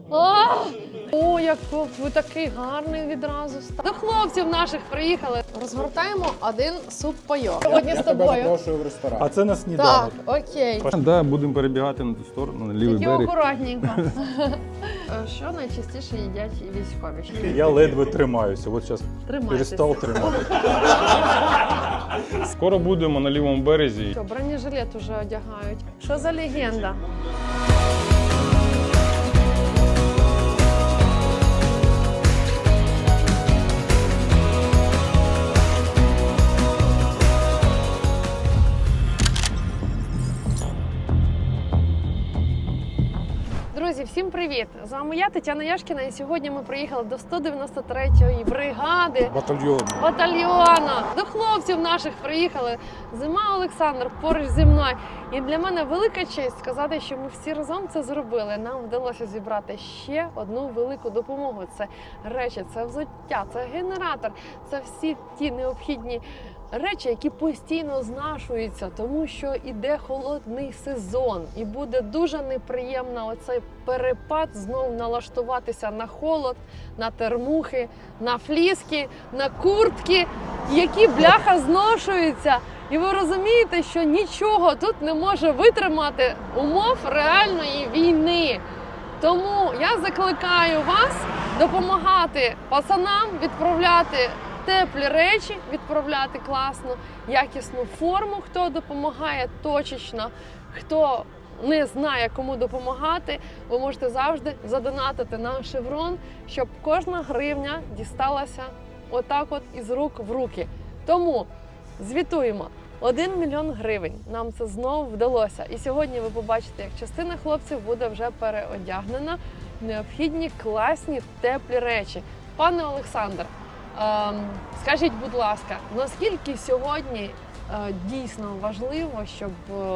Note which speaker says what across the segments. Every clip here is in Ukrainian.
Speaker 1: О, як ви такий гарний відразу став. До хлопців наших приїхали. Розгортаємо один суп-пайок. Сьогодні з тобою.
Speaker 2: Я тебе запрошую в ресторан.
Speaker 3: А це на сніданок.
Speaker 1: Так, окей.
Speaker 3: Да, будемо перебігати на ту сторону, на лівий
Speaker 1: Тільки
Speaker 3: берег.
Speaker 1: акуратненько. Що найчастіше їдять військові?
Speaker 3: Я ледве тримаюся, от зараз
Speaker 1: Тримайтеся.
Speaker 3: перестав тримати. Скоро будемо на лівому березі.
Speaker 1: Що, бронежилет уже одягають. Що за легенда? Друзі, всім привіт! З вами я, Тетяна Яшкіна, і сьогодні ми приїхали до 193-ї бригади батальйону. До хлопців наших приїхали. Зима Олександр поруч зі мною. І для мене велика честь сказати, що ми всі разом це зробили. Нам вдалося зібрати ще одну велику допомогу. Це речі, це взуття, це генератор, це всі ті необхідні речі, які постійно знашуються, тому що іде холодний сезон, і буде дуже неприємно оцей перепад знову налаштуватися на холод, на термухи, на фліски, на куртки, які бляха зношуються. І ви розумієте, що нічого тут не може витримати умов реальної війни. Тому я закликаю вас допомагати пацанам відправляти теплі речі, відправляти класну, якісну форму, хто допомагає точечно, хто не знає, кому допомагати, ви можете завжди задонатити на Шеврон, щоб кожна гривня дісталася отак от із рук в руки. Тому звітуємо. 1 мільйон гривень. Нам це знову вдалося. І сьогодні ви побачите, як частина хлопців буде вже переодягнена в необхідні класні теплі речі. Пане Олександр, скажіть, будь ласка, наскільки сьогодні дійсно важливо, щоб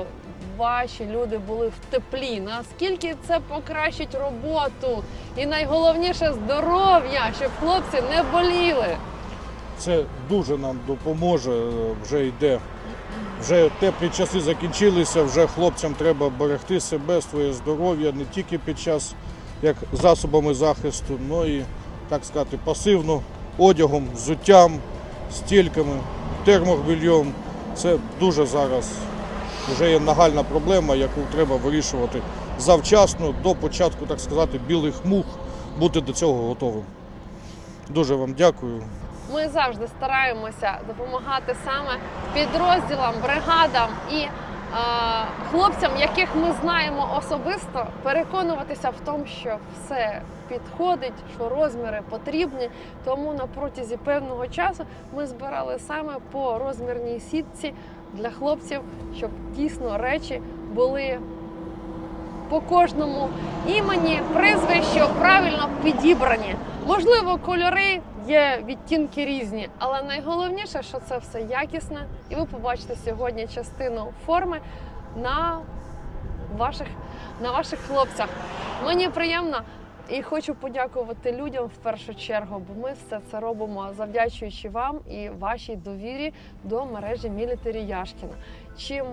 Speaker 1: ваші люди були в теплі? Наскільки це покращить роботу? І найголовніше здоров'я, щоб хлопці не боліли?
Speaker 2: Це дуже нам допоможе, вже йде. Вже теплі часи закінчилися, вже хлопцям треба берегти себе, своє здоров'я, не тільки під час як засобами захисту, але і, так сказати, пасивно, одягом, взуттям, стільками, термобільйом. Це дуже зараз вже є нагальна проблема, яку треба вирішувати завчасно, до початку, так сказати, білих мух, бути до цього готовим. Дуже вам дякую.
Speaker 1: Ми завжди стараємося допомагати саме підрозділам, бригадам і хлопцям, яких ми знаємо особисто, переконуватися в тому, що все підходить, що розміри потрібні. Тому на протязі певного часу ми збирали саме по розмірній сітці для хлопців, щоб дійсно речі були по кожному імені, прізвищу правильно підібрані. Можливо, кольори є, відтінки різні, але найголовніше, що це все якісне, і ви побачите сьогодні частину форми на ваших хлопцях. Мені приємно і хочу подякувати людям в першу чергу, бо ми все це робимо завдячуючи вам і вашій довірі до мережі Мілітарі Яшкіна. Чим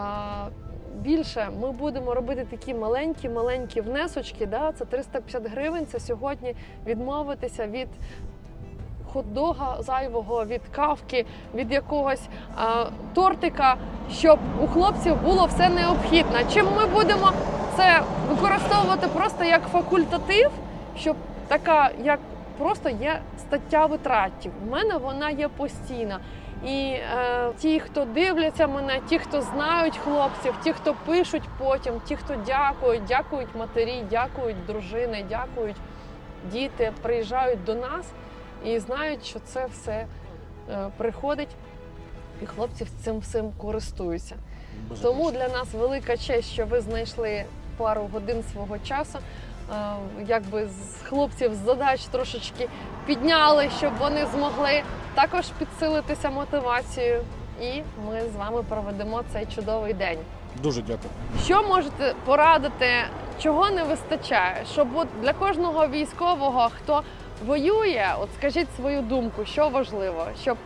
Speaker 1: більше ми будемо робити такі маленькі внесочки, да, це 350 гривень, це сьогодні відмовитися від хот-дога зайвого, від кавки, від якогось тортика, щоб у хлопців було все необхідне. Чим ми будемо це використовувати просто як факультатив, щоб така, як просто є стаття витратів. У мене вона є постійна. І ті, хто дивляться мене, ті, хто знають хлопців, ті, хто пишуть потім, ті, хто дякують матері, дякують дружини, дякують діти, приїжджають до нас і знають, що це все приходить, і хлопці цим всім користуються. Тому для нас велика честь, що ви знайшли пару годин свого часу, якби з хлопців з задач трошечки підняли, щоб вони змогли також підсилитися мотивацією. І ми з вами проведемо цей чудовий день.
Speaker 2: Дуже дякую.
Speaker 1: Що можете порадити, чого не вистачає? Щоб от для кожного військового, хто воює, от скажіть свою думку, що важливо, щоб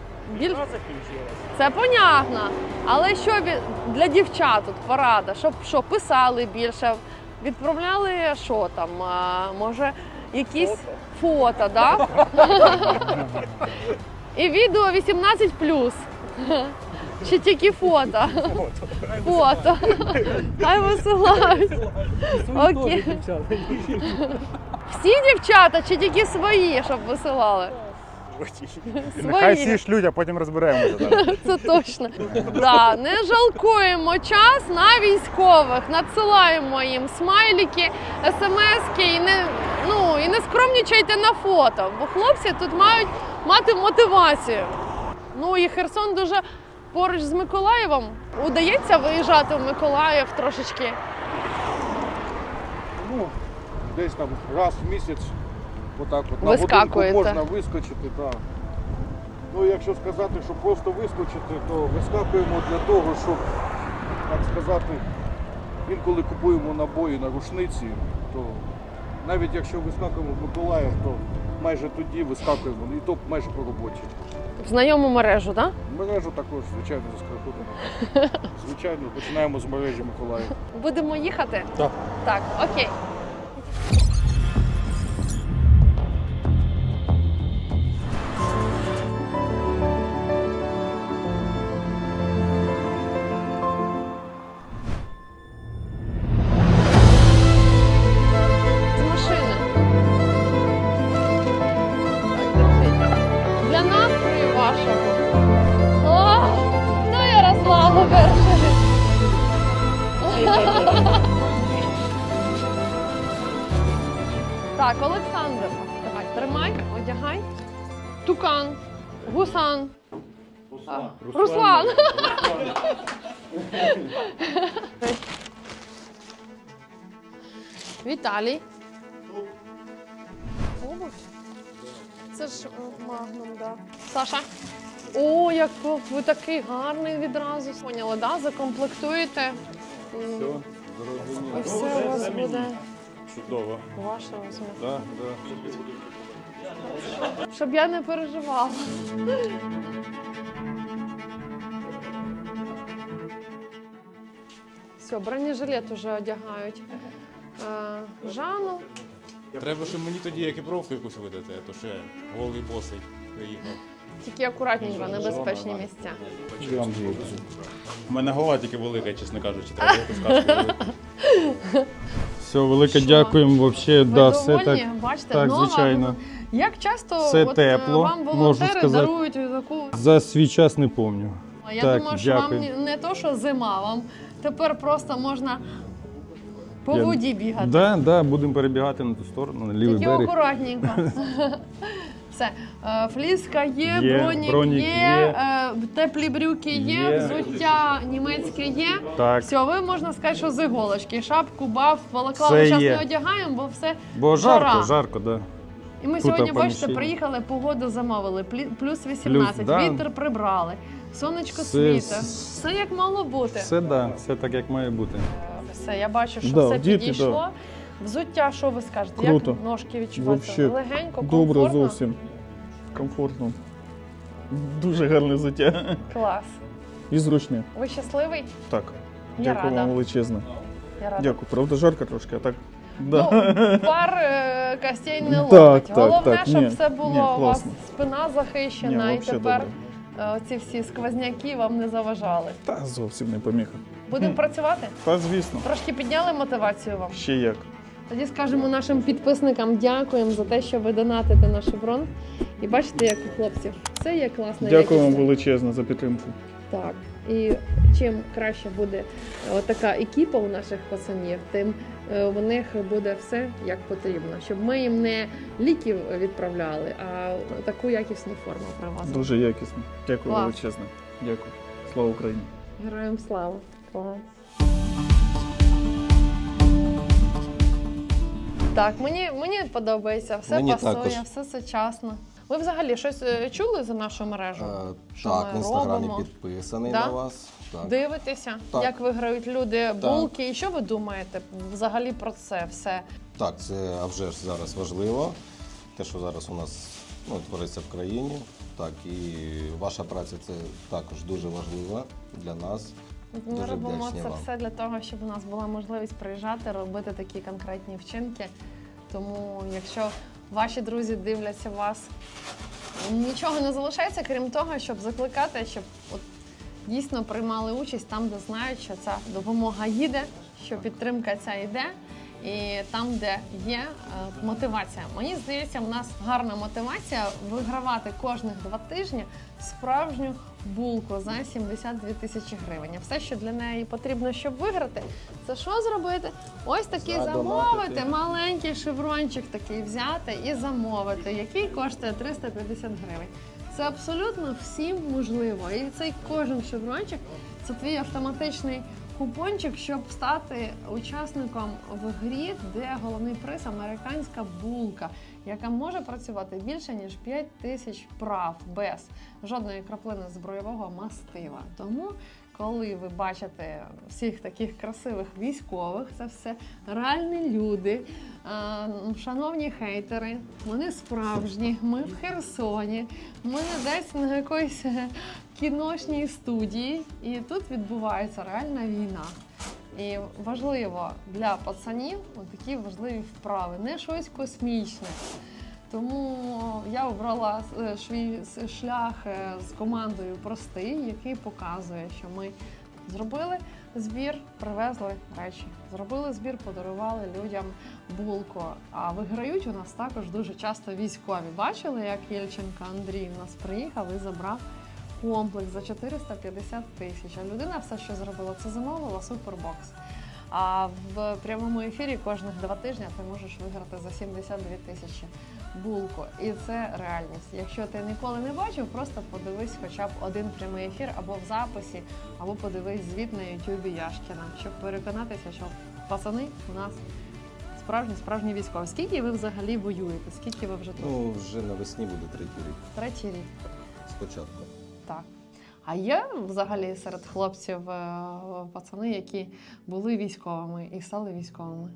Speaker 1: це понятно, але що для дівчат тут порада, щоб що писали більше, Відправляли що там? Може, якісь фото, да? І відео 18+. Чи тільки фото? Фото. Хай висилають. Окей. Всі дівчата чи тільки свої, щоб висилали?
Speaker 4: Нехай всі шлють, а потім розберемося.
Speaker 1: Це точно. Да, не жалкуємо час на військових, надсилаємо їм смайлики, смски і не скромнічайте на фото, бо хлопці тут мають мати мотивацію. Ну і Херсон дуже поруч з Миколаєвом. Удається виїжджати в Миколаїв трошечки?
Speaker 2: Ну, десь там раз в місяць отак от на
Speaker 1: Вискакуєте.
Speaker 2: годинку можна вискочити. Так. Ну, якщо сказати, що просто вискочити, то вискакуємо для того, щоб, так сказати, інколи купуємо набої на рушниці, то навіть якщо вискакуємо в Миколаїв, то майже тоді вискакуємо, і то майже по роботі.
Speaker 1: В знайому мережу, так? Да?
Speaker 2: Мережу також, звичайно, заскакуємо. Звичайно, починаємо з мережі Миколаїв.
Speaker 1: Будемо їхати?
Speaker 2: Так.
Speaker 1: Так, окей. З машини. Так, держіть. Для настрою вашого. О, ну Ярославу перший. Так, Олександр, давай, тримай, одягай. Тукан, гусан. Руслан. Віталій. Обувь? Це ж магнум, да. Саша. О, як ви такий гарний відразу. Поняла, да? Закомплектуєте. І все у вас буде.
Speaker 3: Чудово.
Speaker 1: Ваше розмір.
Speaker 3: Да.
Speaker 1: Щоб я не переживала. Все, бронежилет уже одягають. Жанну.
Speaker 5: Треба, щоб мені тоді екіпровку якусь видати, а то ще голий босий приїхав.
Speaker 1: Тільки акуратненько, небезпечні місця.
Speaker 5: У мене голова тільки велика, чесно кажучи, треба якусь каску.
Speaker 3: Все, велике
Speaker 1: Що?
Speaker 3: дякуємо. Вообще,
Speaker 1: Ви
Speaker 3: да, все
Speaker 1: довольні?
Speaker 3: так.
Speaker 1: Бачите,
Speaker 3: Так,
Speaker 1: нова.
Speaker 3: звичайно.
Speaker 1: Як часто
Speaker 3: Все
Speaker 1: от,
Speaker 3: тепло,
Speaker 1: вам
Speaker 3: можу
Speaker 1: волонтери
Speaker 3: сказати.
Speaker 1: дарують таку?
Speaker 3: За свій час не пам'ятаю.
Speaker 1: Я
Speaker 3: Так,
Speaker 1: думаю, що
Speaker 3: дякую.
Speaker 1: вам не то, що зима, вам тепер просто можна по воді бігати.
Speaker 3: Да, будемо перебігати на ту сторону, на лівий
Speaker 1: Тільки
Speaker 3: берег.
Speaker 1: акуратненько. Все, фліска є,
Speaker 3: Є,
Speaker 1: бронік є,
Speaker 3: є.
Speaker 1: теплі брюки є,
Speaker 3: Є.
Speaker 1: взуття німецьке є.
Speaker 3: Так.
Speaker 1: Все, ви можна сказати, що з іголочки. Шапку, баф, балаклаву
Speaker 3: Все
Speaker 1: зараз
Speaker 3: є.
Speaker 1: не одягаємо, бо все
Speaker 3: Бо
Speaker 1: жара.
Speaker 3: жарко, да.
Speaker 1: І ми
Speaker 3: Тут
Speaker 1: сьогодні, бачите,
Speaker 3: поміщення.
Speaker 1: приїхали, погоду замовили, плюс 18,
Speaker 3: да.
Speaker 1: вітер прибрали, сонечко
Speaker 3: Все,
Speaker 1: світе. Все як мало бути.
Speaker 3: Все так, як має бути.
Speaker 1: Все, я бачу, що
Speaker 4: Да,
Speaker 1: все
Speaker 4: діти,
Speaker 1: підійшло. Взуття, що ви скажете?
Speaker 4: Круто.
Speaker 1: Як ножки відчуваються?
Speaker 4: Вообще
Speaker 1: Легенько,
Speaker 4: добре
Speaker 1: комфортно?
Speaker 4: зовсім. Комфортно. Дуже гарне взуття.
Speaker 1: Клас.
Speaker 4: І зручне.
Speaker 1: Ви щасливий?
Speaker 4: Так.
Speaker 1: Я
Speaker 4: Дякую
Speaker 1: рада.
Speaker 4: вам величезне.
Speaker 1: Я рада.
Speaker 4: Дякую. Правда, жарко трошки, а так.
Speaker 1: Ну,
Speaker 4: Да.
Speaker 1: пар костей не
Speaker 4: Так,
Speaker 1: ловить.
Speaker 4: так,
Speaker 1: Головне,
Speaker 4: так.
Speaker 1: щоб
Speaker 4: Ні,
Speaker 1: все було
Speaker 4: ні,
Speaker 1: у вас
Speaker 4: класно.
Speaker 1: спина захищена,
Speaker 4: Ні,
Speaker 1: і
Speaker 4: вообще
Speaker 1: тепер
Speaker 4: добре.
Speaker 1: ці всі сквозняки вам не заважали.
Speaker 4: Та зовсім не поміха.
Speaker 1: Будемо працювати?
Speaker 4: Та звісно.
Speaker 1: Трошки підняли мотивацію вам.
Speaker 4: Ще як.
Speaker 1: Тоді скажемо нашим підписникам дякуємо за те, що ви донатите на шеврон. І бачите, як у хлопців все є класно.
Speaker 4: Дякую вам
Speaker 1: якісно.
Speaker 4: величезне за підтримку.
Speaker 1: Так. І чим краще буде така екіпа у наших пацанів, тим у них буде все як потрібно. Щоб ми їм не ліків відправляли, а таку якісну форму привозили.
Speaker 4: Дуже якісно. Дякую
Speaker 1: Клас.
Speaker 4: величезне. Дякую. Слава Україні.
Speaker 1: Героям слава. Клас. Так, мені подобається, все
Speaker 6: Мені
Speaker 1: пасує,
Speaker 6: також.
Speaker 1: все сучасно. Ви взагалі щось чули за нашу мережу? Що
Speaker 6: Так,
Speaker 1: ми
Speaker 6: в інстаграмі
Speaker 1: робимо?
Speaker 6: підписаний
Speaker 1: Да?
Speaker 6: на вас. Так.
Speaker 1: Дивитеся,
Speaker 6: Так.
Speaker 1: як виграють люди булки. І що ви думаєте взагалі про це все?
Speaker 6: Так, це а вже ж зараз важливо. Те, що зараз у нас твориться в країні. Так, і ваша праця це також дуже важлива для нас.
Speaker 1: Ми
Speaker 6: Дуже
Speaker 1: робимо
Speaker 6: вдячні
Speaker 1: це
Speaker 6: вам.
Speaker 1: все для того, щоб у нас була можливість приїжджати, робити такі конкретні вчинки. Тому, якщо ваші друзі дивляться вас, нічого не залишається, крім того, щоб закликати, щоб от дійсно приймали участь там, де знають, що ця допомога їде, що підтримка ця йде, і там, де є мотивація. Мені здається, в нас гарна мотивація вигравати кожних 2 тижні справжню булку за 72 тисячі гривень. І все, що для неї потрібно, щоб виграти, це що зробити? Ось такий замовити, маленький шеврончик такий взяти і замовити, який коштує 350 гривень. Це абсолютно всім можливо. І цей кожен шеврончик – це твій автоматичний купончик, щоб стати учасником в грі, де головний приз – американська булка, яка може працювати більше, ніж 5 тисяч вправ без жодної краплини збройового мастила. Тому, коли ви бачите всіх таких красивих військових, це все реальні люди, шановні хейтери, вони справжні, ми в Херсоні, ми не десь на якоїсь кіношній студії, і тут відбувається реальна війна. І важливо для пацанів такі важливі вправи, не щось космічне. Тому я обрала свій шлях з командою простий, який показує, що ми зробили збір, привезли речі. Зробили збір, подарували людям булку. А виграють у нас також дуже часто військові. Бачили, як Єльченко Андрій у нас приїхав і забрав комплекс за 450 тисяч. А людина все, що зробила, це замовила супербокс. А в прямому ефірі кожних 2 тижні ти можеш виграти за 72 тисячі булку. І це реальність. Якщо ти ніколи не бачив, просто подивись хоча б один прямий ефір або в записі, або подивись звіт на ютубі Яшкіна, щоб переконатися, що пацани у нас справжні військові. Скільки ви взагалі воюєте? Скільки ви вже тут?
Speaker 6: Ну, вже навесні буде 3-й рік.
Speaker 1: 3-й рік.
Speaker 6: Спочатку.
Speaker 1: Так. А є взагалі серед хлопців пацани, які були військовими і стали військовими?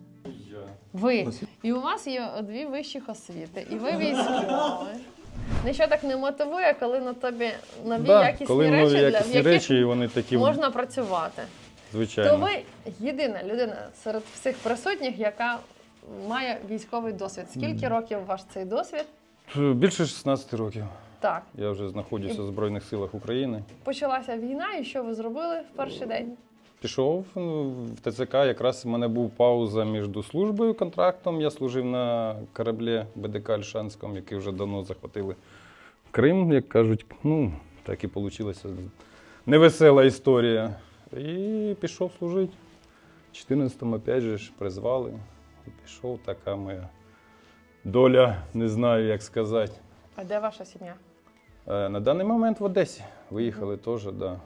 Speaker 1: Ви. І у вас є 2 вищих освіти, і ви військові. Нічого так не мотивує, коли на тобі нові якісні
Speaker 3: коли
Speaker 1: речі,
Speaker 3: нові якісні
Speaker 1: в яких
Speaker 3: речі, і вони такі,
Speaker 1: можна працювати.
Speaker 3: звичайно.
Speaker 1: То ви єдина людина серед всіх присутніх, яка має військовий досвід. Скільки років ваш цей досвід?
Speaker 3: Більше 16 років.
Speaker 1: Так.
Speaker 3: Я вже знаходжуся в Збройних силах України.
Speaker 1: Почалася війна, і що ви зробили в перший день?
Speaker 3: Пішов в ТЦК, якраз в мене був пауза між службою, контрактом. Я служив на кораблі БДК Ольшанському, який вже давно захватили Крим, як кажуть. Ну, так і вийшла невесела історія. І пішов служити. В 14-му опять же ж призвали. І пішов, така моя доля, не знаю, як сказати.
Speaker 1: А де ваша сім'я?
Speaker 3: На даний момент в Одесі. Виїхали теж, так. Да.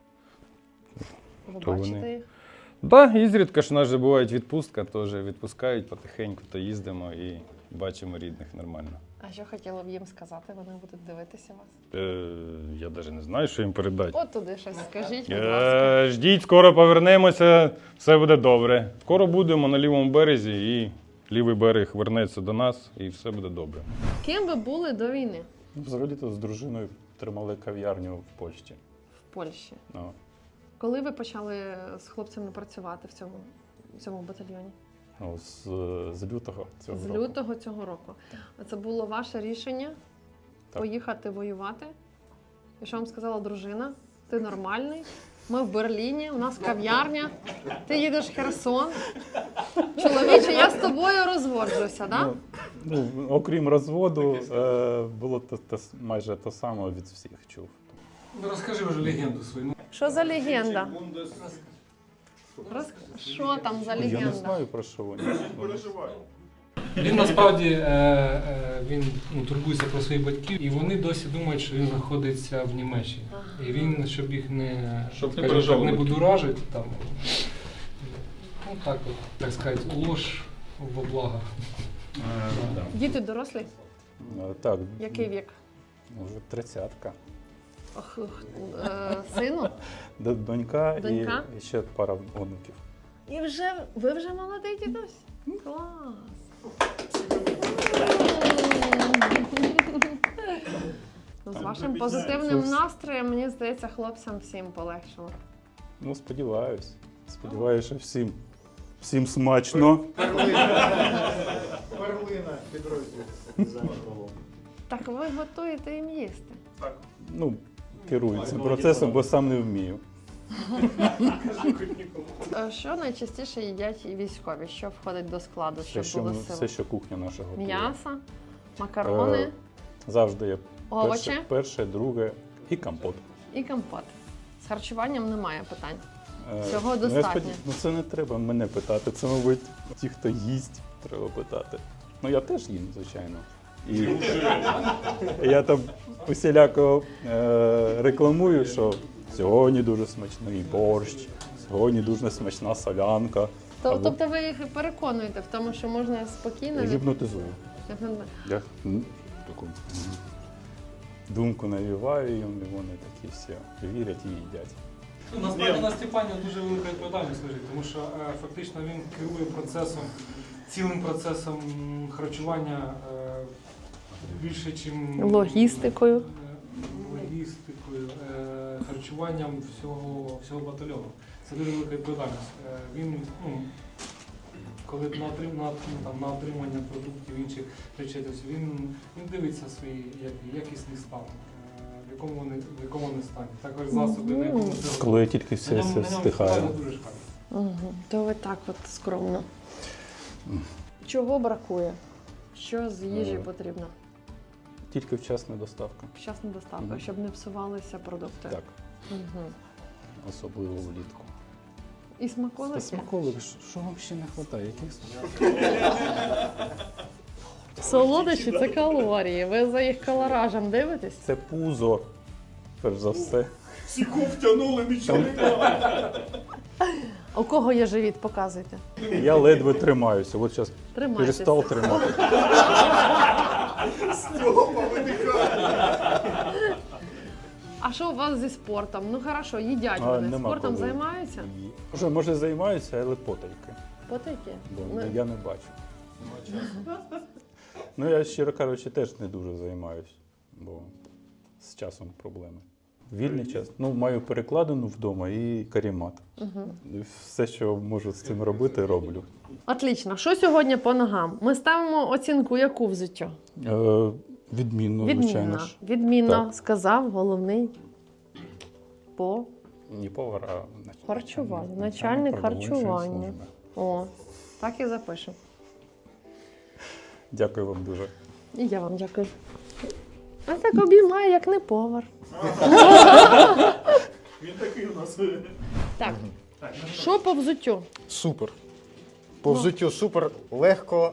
Speaker 1: Ви
Speaker 3: То
Speaker 1: бачите
Speaker 3: вони.
Speaker 1: їх?
Speaker 3: Так, ізрідка ж у нас же буває відпустка, теж відпускають потихеньку, то їздимо і бачимо рідних нормально.
Speaker 1: А що хотіла б їм сказати? Вони будуть дивитися вас.
Speaker 3: Я навіть не знаю, що їм передати.
Speaker 1: От туди щось скажіть, будь ласка.
Speaker 3: Ждіть, скоро повернемося, все буде добре. Скоро будемо на лівому березі і лівий берег вернеться до нас і все буде добре.
Speaker 1: Ким ви були до війни
Speaker 4: Взагалі-то з дружиною тримали кав'ярню в Польщі.
Speaker 1: в Польщі?
Speaker 4: Ну,
Speaker 1: Коли ви почали з хлопцями працювати в цьому батальйоні?
Speaker 4: ну, з лютого цього
Speaker 1: З
Speaker 4: року.
Speaker 1: лютого цього року. Це було ваше рішення поїхати воювати? І що вам сказала дружина? Ти нормальний, ми в Берліні, у нас кав'ярня, ти їдеш в Херсон. Чоловіче, я з тобою розводжуся, так?
Speaker 4: Ну, окрім розводу, було майже те саме від всіх чув.
Speaker 7: Ну, розкажи вже легенду свою.
Speaker 1: Що за легенда? Що там за
Speaker 4: Я не
Speaker 1: легенда?
Speaker 4: знаю, про що вони.
Speaker 7: Він насправді він турбується про своїх батьків, і вони досі думають, що він знаходиться в Німеччині. І він, щоб їх не, не будоражити, там, ну так от, так сказати, ложь во благо.
Speaker 1: Діти дорослі?
Speaker 4: Так,
Speaker 1: Який вік?
Speaker 4: вже 30-ка.
Speaker 1: Сину?
Speaker 4: Донька,
Speaker 1: Донька?
Speaker 4: І ще пара онуків.
Speaker 1: І ви вже молодий дідусь? Клас! З вашим позитивним настроєм, мені здається, хлопцям всім полегшило.
Speaker 4: Ну, сподіваюсь. Сподіваюся, що всім смачно.
Speaker 2: Перлина підрозділ.
Speaker 1: Так ви готуєте їм їсти.
Speaker 4: Ну, керую цим процесом, бо сам не вмію.
Speaker 1: Що найчастіше їдять і військові? Що входить до складу, щоб було
Speaker 4: Все,
Speaker 1: сили?
Speaker 4: що кухня наша готує.
Speaker 1: М'ясо, макарони
Speaker 4: Завжди є
Speaker 1: Овочі?
Speaker 4: перше, друге і компот.
Speaker 1: і компот. З харчуванням немає питань. Всього
Speaker 4: Ну, я
Speaker 1: достатньо.
Speaker 4: Ну це не треба мене питати, це, мабуть, ті, хто їсть, треба питати. Ну я теж їм, звичайно. І я там усіляко рекламую, що сьогодні дуже смачний борщ, сьогодні дуже смачна солянка.
Speaker 1: Тобто ви їх переконуєте в тому, що можна спокійно
Speaker 4: Гіпнотизую. Я таку думку навіваю їм, і вони такі всі вірять і їдять.
Speaker 7: Ну, насправді на Степані дуже велика відповідальність лежить, тому що фактично він керує процесом, цілим процесом харчування більше, чим
Speaker 1: Логістикою.
Speaker 7: логістикою, харчуванням всього батальйону. Це дуже велика відповідальність. Він, коли на отримання продуктів інших речей, тобто він дивиться свій якісний стан. В якому вони стані. Також засоби, на якому це
Speaker 4: Коли тільки все стихає.
Speaker 7: дуже шкафі.
Speaker 1: Угу. То ви так от скромно. Чого бракує? Що з їжі потрібно?
Speaker 4: Тільки вчасна доставка.
Speaker 1: Вчасна доставка,
Speaker 4: Мгм.
Speaker 1: щоб не псувалися продукти.
Speaker 4: Так,
Speaker 1: Угу.
Speaker 4: особливо влітку.
Speaker 1: І смаколики?
Speaker 4: Смаколик, що вам ще не вистачає? Яких
Speaker 1: Солодощі – це калорії. Ви за їх калоражем дивитесь?
Speaker 4: Це пузо, перш за все.
Speaker 2: Сіку втягнули, нічого немає.
Speaker 1: У кого є живіт, показуйте.
Speaker 4: Я ледве тримаюся. От зараз
Speaker 1: Тримайтеся.
Speaker 4: перестав тримати.
Speaker 1: А що у вас зі спортом? Ну хорошо, їдять вони.
Speaker 4: Нема
Speaker 1: Спортом
Speaker 4: коли.
Speaker 1: займаються?
Speaker 4: Може займаюся, але потайки.
Speaker 1: Потайки?
Speaker 4: Бо
Speaker 1: Ну,
Speaker 4: я не бачу. Ну я, щиро кажучи, теж не дуже займаюсь, бо з часом проблеми. Вільний час. Ну, маю перекладину вдома і карімат. І все, що можу з цим робити, роблю.
Speaker 1: Отлично. Що сьогодні по ногам? Ми ставимо оцінку яку взуттю?
Speaker 4: Відмінно, звичайно
Speaker 1: Відмінно.
Speaker 4: ж.
Speaker 1: Відмінно,
Speaker 4: Так.
Speaker 1: сказав головний по
Speaker 4: Не повар, а
Speaker 1: харчування. Начальник
Speaker 4: продовольчої
Speaker 1: харчування.
Speaker 4: служби.
Speaker 1: О, так і запишемо.
Speaker 4: Дякую вам дуже.
Speaker 1: І я вам дякую. А так обіймає, як не повар.
Speaker 2: Він такий у нас.
Speaker 1: Так, що по взуттю?
Speaker 8: Супер. По взуттю супер, легко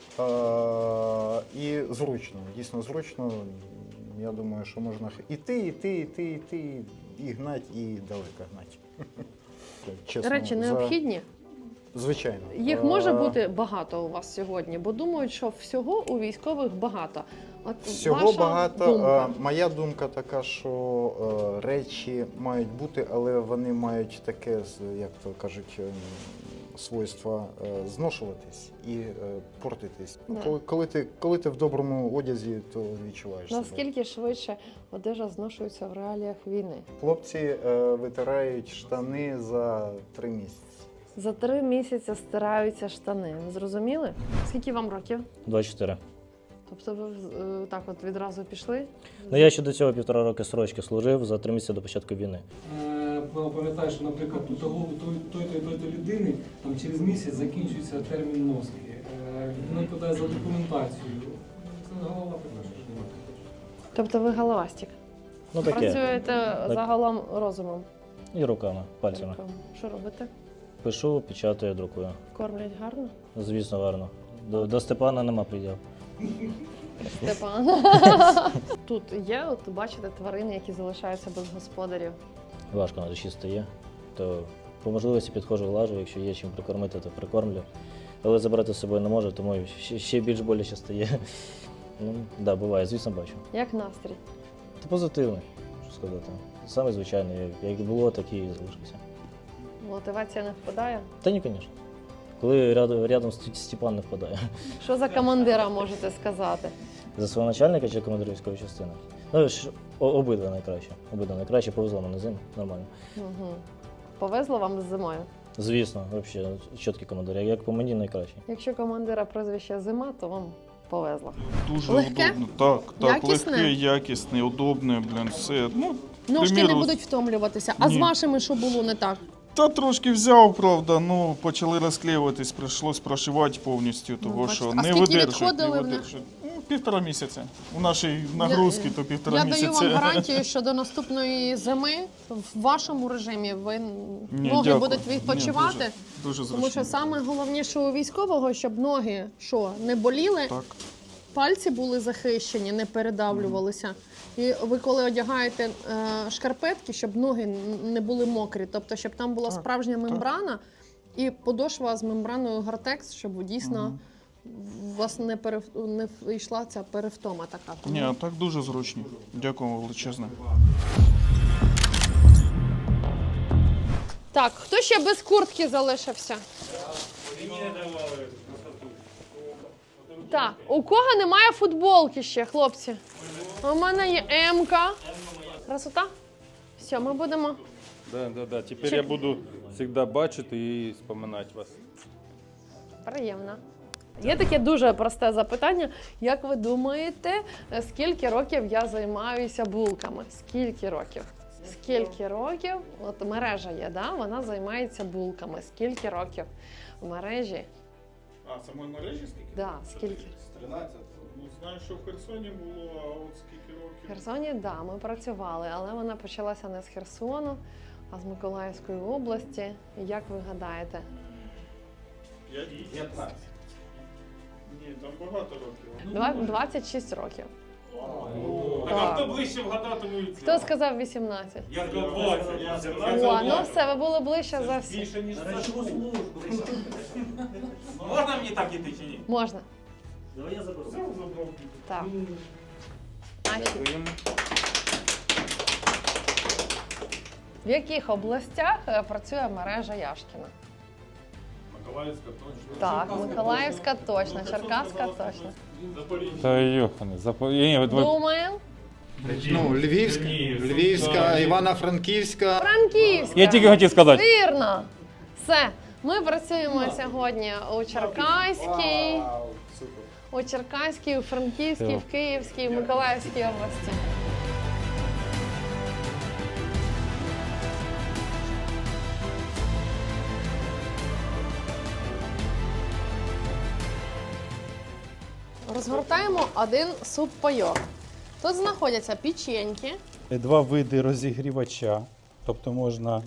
Speaker 8: і зручно. Дійсно зручно. Я думаю, що можна іти, і гнать, і далеко гнать. Чесно,
Speaker 1: Речі необхідні?
Speaker 8: Звичайно.
Speaker 1: Їх може бути багато у вас сьогодні, бо думають, що всього у військових багато. От
Speaker 8: Всього
Speaker 1: ваша
Speaker 8: багато.
Speaker 1: думка.
Speaker 8: Моя думка така, що речі мають бути, але вони мають таке, як то кажуть, свойство зношуватись і портитись.
Speaker 1: Да.
Speaker 8: Коли ти в доброму одязі, то відчуваєш себе.
Speaker 1: Наскільки швидше одежа зношується в реаліях війни?
Speaker 8: Хлопці витирають штани за 3 місяці.
Speaker 1: За 3 місяці стираються штани. Ви зрозуміли? Скільки вам років?
Speaker 9: 24.
Speaker 1: Тобто ви так от відразу пішли?
Speaker 9: Ну я ще до цього 1,5 роки срочки служив за 3 місяці до початку війни.
Speaker 7: Пам'ятаєш, що, наприклад, у той людини там, через місяць закінчується термін носки. Він подає за документацією. Це голова така.
Speaker 1: Тобто ви головастик?
Speaker 9: Ну таке.
Speaker 1: Працюєте загалом розумом?
Speaker 9: І руками, пальцями.
Speaker 1: Що робите?
Speaker 9: Пишу, печатаю, друкую.
Speaker 1: Кормлять гарно?
Speaker 9: Звісно, гарно. До Степана нема приділ.
Speaker 1: Степан. Тут є, от бачите, тварини, які залишаються без господарів.
Speaker 9: Важко на душі стає. То по можливості підходжу, глажу, якщо є чим прикормити, то прикормлю. Але забрати з собою не можу, тому ще більш боляче стає. Ну, да, буває, звісно, бачу.
Speaker 1: Як настрій?
Speaker 9: Та позитивний, що сказати. Саме звичайний, як було, так і залишився.
Speaker 1: Мотивація не впадає?
Speaker 9: Та ні, звісно. Коли рядом Степан не впадає.
Speaker 1: Що за командира можете сказати?
Speaker 9: За свого начальника чи командира військової частини? Ну, обидва найкраще. Обидва найкраще, повезло мене з ним, нормально.
Speaker 1: Угу. Повезло вам з зимою?
Speaker 9: Звісно, взагалі, чіткий командир. Як по мені найкращий.
Speaker 1: Якщо командира прізвище Зима, то вам повезло.
Speaker 2: Дуже
Speaker 1: Легке?
Speaker 2: удобно. Так,
Speaker 1: Якісне?
Speaker 2: легке, якісне, удобне, все.
Speaker 1: Ножки не
Speaker 2: приміру,
Speaker 1: будуть втомлюватися. А з
Speaker 2: ні.
Speaker 1: вашими що було не так?
Speaker 2: Та трошки взяв, правда, почали розклеюватись, прийшлось прошивати повністю, того
Speaker 1: бачите.
Speaker 2: що
Speaker 1: А
Speaker 2: не
Speaker 1: скільки
Speaker 2: видержить.
Speaker 1: відходили в них?
Speaker 2: 1,5 місяця. У нашій нагрузці то 1,5
Speaker 1: Я
Speaker 2: місяця.
Speaker 1: даю вам гарантію, що до наступної зими в вашому режимі ви
Speaker 2: Ні,
Speaker 1: ноги
Speaker 2: дякую.
Speaker 1: будуть відпочивати.
Speaker 2: Ні, дуже зручно.
Speaker 1: Тому що саме головніше у військового, щоб ноги не боліли,
Speaker 2: Так.
Speaker 1: пальці були захищені, не передавлювалися. І ви коли одягаєте шкарпетки, щоб ноги не були мокрі, тобто щоб там була справжня мембрана і подошва з мембраною Гортекс, щоб дійсно у вас не йшла ця перевтома така.
Speaker 2: Ні, а так дуже зручно. Дякую величезне.
Speaker 1: Так, хто ще без куртки залишився? Так, у кого немає футболки ще, хлопці? У мене є М-ка. Красота? Все, ми будемо.
Speaker 3: Да. Тепер я буду завжди бачити і споминати вас.
Speaker 1: Приємно. Є таке дуже просте запитання. Як ви думаєте, скільки років я займаюся булками? Скільки років? Скільки років? От мережа є, да? Вона займається булками. Скільки років в мережі?
Speaker 2: А, самої мережі скільки?
Speaker 1: Да, скільки?
Speaker 2: 13. Ну, знаю, що в Херсоні було, а от скільки років?
Speaker 1: В Херсоні, да, ми працювали, але вона почалася не з Херсону, а з Миколаївської області. Як ви гадаєте?
Speaker 2: 15. Ні, там багато років.
Speaker 1: 26 років.
Speaker 5: А хто ближче вгадатимуть?
Speaker 1: Хто сказав 18?
Speaker 5: Я сказав 20.
Speaker 1: О, ну все, ви були ближче за всі.
Speaker 5: Більше, ніж за службу. Можна мені так іти чи ні?
Speaker 1: Можна. Так. В яких областях працює мережа Яшкіна?
Speaker 5: Миколаївська точно.
Speaker 1: Так, Миколаївська точно, Черкаська точно.
Speaker 3: Та йохане,
Speaker 1: Думаємо.
Speaker 8: Ну, Львівська, Івано-Франківська.
Speaker 1: Франківська.
Speaker 3: Я тільки хотів сказати.
Speaker 1: Вірно. Все. Ми працюємо сьогодні у Черкаській, у Черкаській, у Франківській, в Київській, в Миколаївській області. Розгортаємо один суп-пайок. Тут знаходяться печеньки.
Speaker 4: Два види розігрівача, тобто можна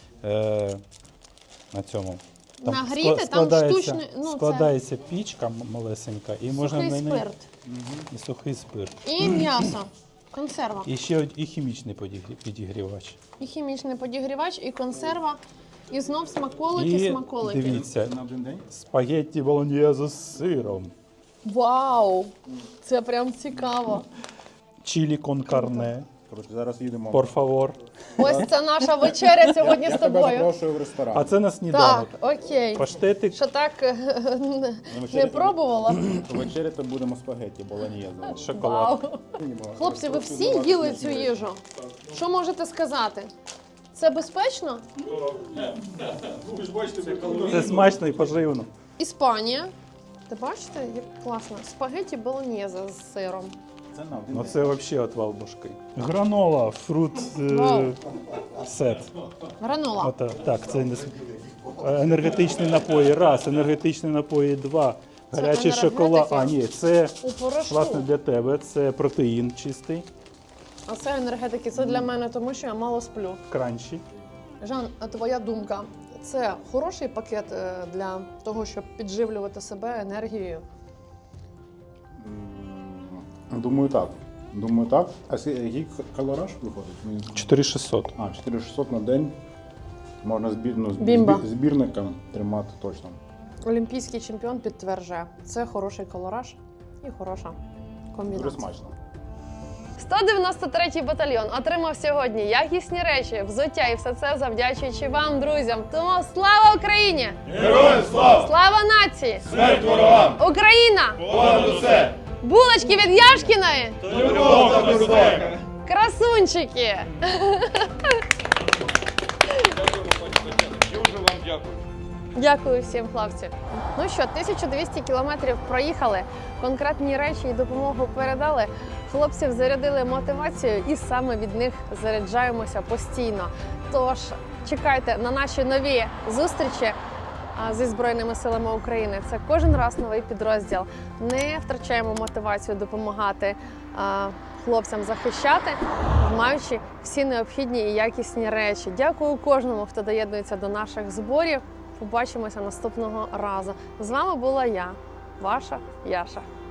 Speaker 4: на цьому.
Speaker 1: Нагріти, там
Speaker 4: складається,
Speaker 1: штучний, ну, це-
Speaker 4: складається пічка малесенька, і можна
Speaker 1: Сухий
Speaker 4: на неї
Speaker 1: спирт.
Speaker 4: і сухий спирт.
Speaker 1: І м'ясо. Консерва.
Speaker 4: І ще і хімічний підігрівач.
Speaker 1: І хімічний підігрівач, і консерва, і знов смаколики.
Speaker 4: Дивіться, спагетті болоньєзе з сиром,
Speaker 1: Вау! Це прям цікаво.
Speaker 4: чилі кон карне,
Speaker 5: Зараз їдемо.
Speaker 4: por favor.
Speaker 1: Ось це наша вечеря сьогодні з тобою.
Speaker 5: запрошую в ресторан.
Speaker 4: А це на сніданок.
Speaker 1: Так, окей.
Speaker 4: Паштетик.
Speaker 1: Що так не пробувала?
Speaker 5: Вечеряти будемо спагетті болоньєзе.
Speaker 4: Шоколад.
Speaker 1: Вау. Хлопці, ви всі їли цю їжу? Що можете сказати? Це безпечно?
Speaker 4: Це смачно і поживно.
Speaker 1: Іспанія. Ти бачите, як класно? Спагетті болоньєзе з сиром.
Speaker 4: Ну це взагалі отвал башки. Гранола, фрут
Speaker 1: Вау.
Speaker 4: сет.
Speaker 1: Гранола.
Speaker 4: Так, це енергетичні напої. Раз, енергетичні напої, два.
Speaker 1: Це
Speaker 4: Гарячий шоколад.
Speaker 1: енергетики?
Speaker 4: А, ні, це
Speaker 1: У порошку.
Speaker 4: власне для тебе. Це протеїн чистий,
Speaker 1: А це енергетики, це для мене, тому що я мало сплю.
Speaker 4: кранчі.
Speaker 1: Жан, а твоя думка, це хороший пакет для того, щоб підживлювати себе енергією?
Speaker 5: Думаю, так. А який калораж виходить?
Speaker 4: 4600.
Speaker 5: 4600 на день. Можна
Speaker 1: Бімба.
Speaker 5: збірникам тримати точно.
Speaker 1: Олімпійський чемпіон підтверджує, це хороший колораж і хороша
Speaker 5: Дуже
Speaker 1: комбінація.
Speaker 5: смачно.
Speaker 1: 193-й батальйон отримав сьогодні якісні речі, взуття і все це завдячуючи вам, друзям. Тому слава Україні!
Speaker 2: Героям слава!
Speaker 1: Слава нації!
Speaker 2: Смерть ворогам!
Speaker 1: Україна!
Speaker 2: Понад усе!
Speaker 1: Булочки від Яшкіної!
Speaker 2: Любов та безпека!
Speaker 1: Красунчики!
Speaker 2: Дякую.
Speaker 1: Дякую всім, хлопці. Ну що, 1200 кілометрів проїхали, конкретні речі і допомогу передали. Хлопців зарядили мотивацією і саме від них заряджаємося постійно. Тож чекайте на наші нові зустрічі зі Збройними силами України. Це кожен раз новий підрозділ. Не втрачаємо мотивацію допомагати хлопцям захищати, маючи всі необхідні і якісні речі. Дякую кожному, хто доєднується до наших зборів. Побачимося наступного разу. З вами була я, ваша Яша.